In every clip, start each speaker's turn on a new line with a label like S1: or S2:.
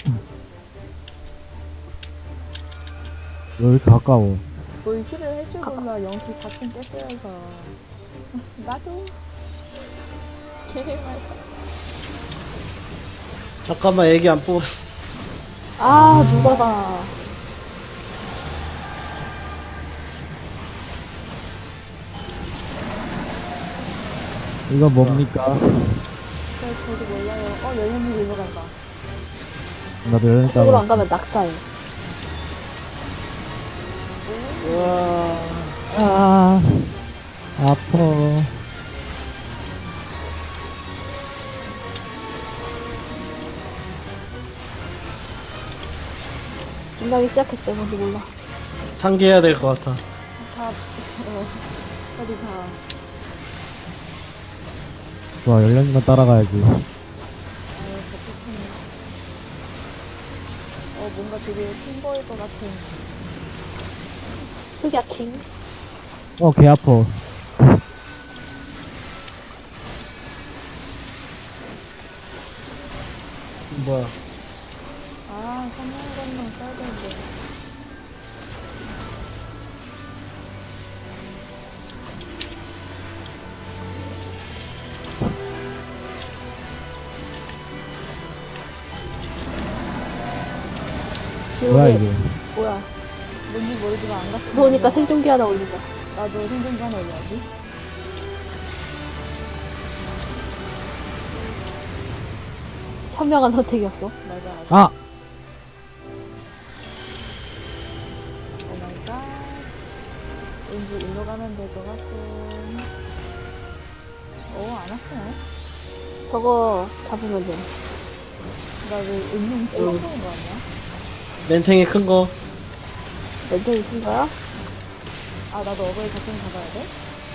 S1: 왜 이렇게 가까워?
S2: 뭘 힐을 해줄 몰라. 영치 4층 깼어야서. 나도. 개말.
S3: 잠깐만 애기 안 뽑았어.
S4: 아, 누가다.
S1: 이거 뭡니까?
S2: 저도 몰라요. 연현이 일로 간다.
S1: 나도 연락
S4: 저쪽으로
S1: 따고
S4: 안 가면 낙사해.
S3: 우와.
S1: 아 아파.
S4: 끝나기 시작했대, 뭔지 몰라.
S3: 상기해야 될 것 같아.
S2: 어디 가.
S1: 좋아, 연락만 따라가야지.
S2: 겹치네. 뭔가 되게 큰 거일 것 같은.
S4: 흑야 킹.
S1: 개 아파.
S3: 뭐야?
S2: 선물 건너 써야 되는데.
S1: 뭐야
S4: 지옥에,
S1: 이게?
S4: 뭐야.
S2: 뭔지 모르지만 안 갔어.
S4: 무서우니까 생존기 하나 올리자.
S2: 나도 생존기 하나 올려야지.
S4: 현명한 선택이었어.
S2: 맞아.
S1: 아
S2: 오 마이 갓. 왠지 일로 가면 될 것 같고. 안 왔네.
S4: 저거 잡으면 돼.
S2: 나 왜 은용 뚫어놓은 거 아니야?
S3: 멘탱이 큰 거.
S4: 멘탱이 큰 거야?
S2: 나도 어버이 같은 가봐야 돼?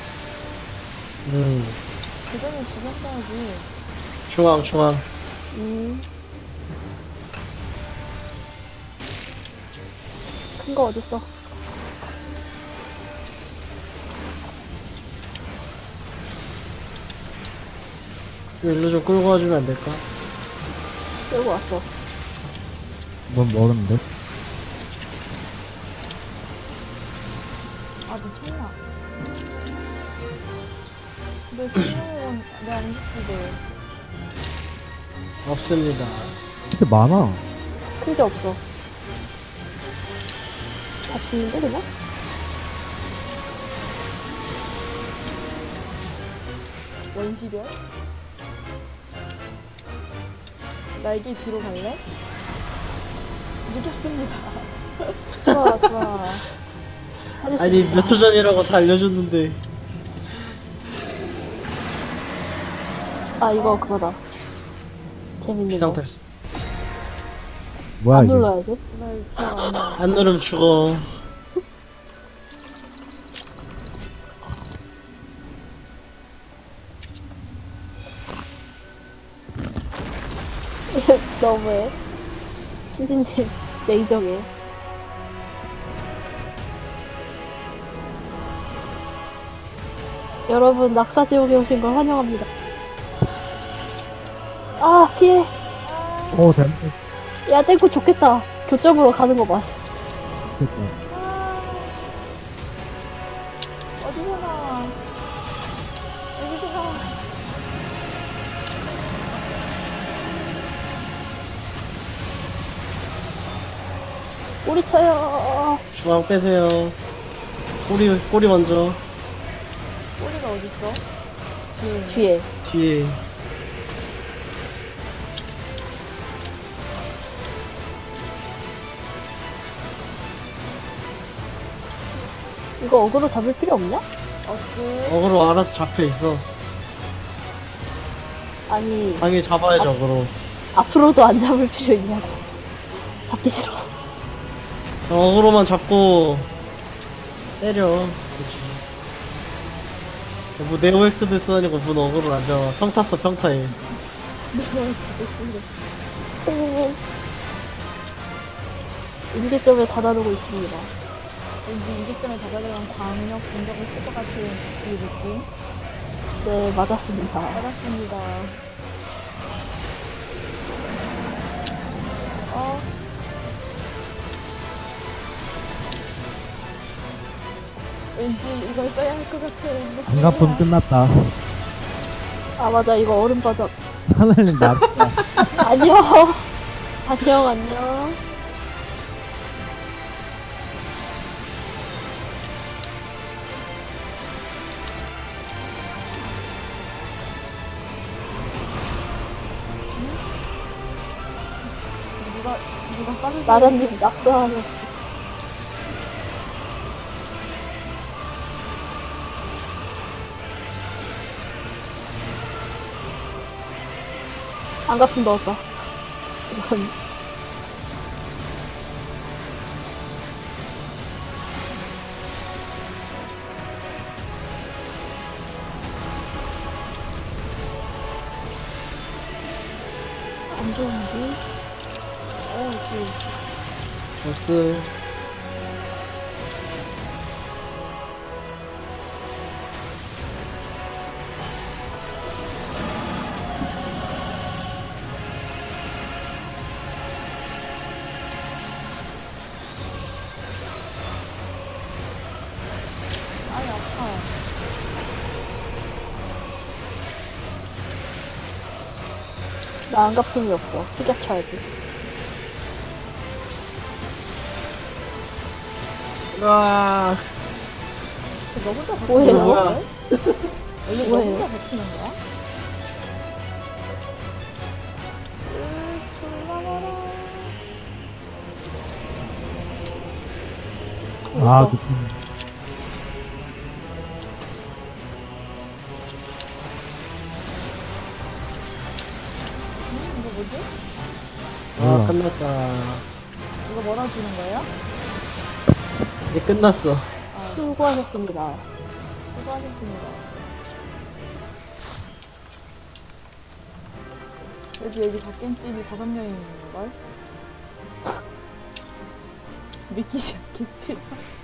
S2: 그 전에 죽였어야지.
S3: 중앙.
S4: 큰 거 어딨어?
S3: 일로 좀 끌고 와주면 안 될까?
S4: 끌고 왔어.
S1: 넌 멀었는데?
S2: 미쳤나? 근데 신용은 내안 죽기도.
S3: 없습니다.
S1: 이렇게 많아.
S4: 큰 게 없어. 다 죽는데, 그냥?
S2: 원시별? 날개 뒤로 갈래? 늦었습니다.
S4: 좋아. 잘했어.
S3: 아니 몇 초 전이라고 다 알려줬는데.
S4: 이거 그거다. 재밌는 거.
S3: 비상탈출.
S1: 뭐야
S4: 안
S1: 이게?
S4: 눌러야지.
S2: 날 기억 안 나.
S3: 안 누르면 죽어.
S4: 너무해. 치즈님, 레이저게. 여러분, 낙사지옥에 오신 걸 환영합니다. 피해.
S1: 잘못
S4: 야, 땡코 좋겠다. 교점으로 가는 거 봐, 씨.
S1: 치겠다.
S2: 어디서 나와? 여기서 나와.
S4: 꼬리 쳐요.
S3: 중앙 빼세요. 꼬리 먼저.
S2: 꼬리가 어딨어?
S4: 뒤에.
S3: 뒤에.
S4: 이거 어그로 잡을 필요 없냐?
S3: 어그로 알아서 잡혀 있어.
S4: 아니,
S3: 당연히 잡아야지 어그로.
S4: 앞으로도 안 잡을 필요 있냐고. 잡기 싫어서.
S3: 어그로만 잡고 때려. 그렇지. 뭐 네오엑스도 쓰다니까 무슨 어그로를 안 잡아. 평탔어 평타에.
S4: 일개점에 다다르고 있습니다.
S2: 왠지 이기점에 다다르면 광역 공격을 쓸 것 같은 그 느낌?
S4: 네, 맞았습니다.
S2: 알았습니다. 왠지 이걸 써야 할 것 같아.
S1: 안가품 끝났다.
S4: 아 맞아 이거 얼음바닥.
S1: 하늘님 나.
S4: 안녕. 안녕 안녕.
S2: 누가 빠르게.
S4: 나라님 낙서하는. 안가품 넣었다. 이건 안 좋은데?
S3: 보스.
S2: 아이, 아파.
S4: 나 안가품이 없어. 후자 쳐야지.
S3: 와.
S2: 너 혼자 버티는
S4: 뭐예요?
S2: 거야?
S3: 뭐야?
S2: 원래 너
S4: 뭐예요?
S2: 혼자 버티는 거야?
S1: 아,
S4: 있어.
S1: 느낌.
S2: 이거 뭐지?
S3: 아,
S1: 뭐야.
S3: 끝났다.
S2: 이거 뭐라 주는 거예요?
S3: 이제 끝났어.
S2: 아,
S4: 수고하셨습니다.
S2: 수고하셨습니다. 그래도 여기 갓겜집이 5명이 있는 걸? 믿기지 않겠지?